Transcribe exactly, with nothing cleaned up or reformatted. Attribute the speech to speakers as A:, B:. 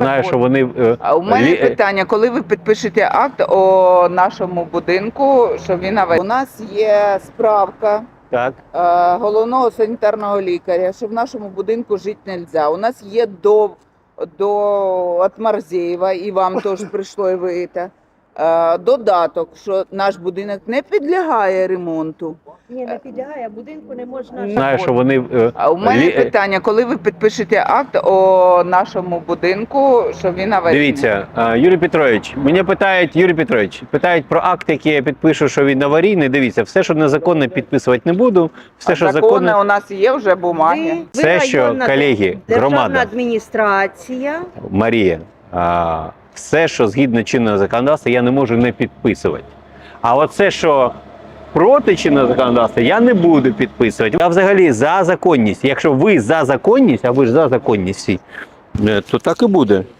A: знаю, що вони...
B: А у мене
A: лі-
B: питання, коли ви підпишете акт о нашому будинку, що він аварійний? У нас є справка
A: Так.
B: е, головного санітарного лікаря, що в нашому будинку жити не можна. У нас є до, до от Марзєєва, і вам теж прийшло і ви це, е, додаток, що наш будинок не підлягає ремонту.
C: Ні, не підлягає, будинку не можна.
A: Знаю, що вони... е,
B: А у мене
A: лі-
B: питання, коли ви підпишете акт о нашому будинку, що він аварійний?
A: Дивіться, е, Юрій Петрович, мене питають, Юрій Петрович, питають про акт, який я підпишу, що він аварійний. Дивіться, все, що незаконне, підписувати не буду. Все,
B: А
A: що
B: закони
A: законне,
B: у нас є вже бумаги.
C: Ви-
A: Все,
C: ви
A: що,
C: районна
A: колеги,
C: державна
A: громада.
C: адміністрація.
A: Марія, а, все, що згідно чинного законодавства, я не можу не підписувати. А оце, що проти чинного законодавства, я не буду підписувати. Я взагалі за законність. Якщо ви за законність, а ви ж за законність всі, е, то так і буде.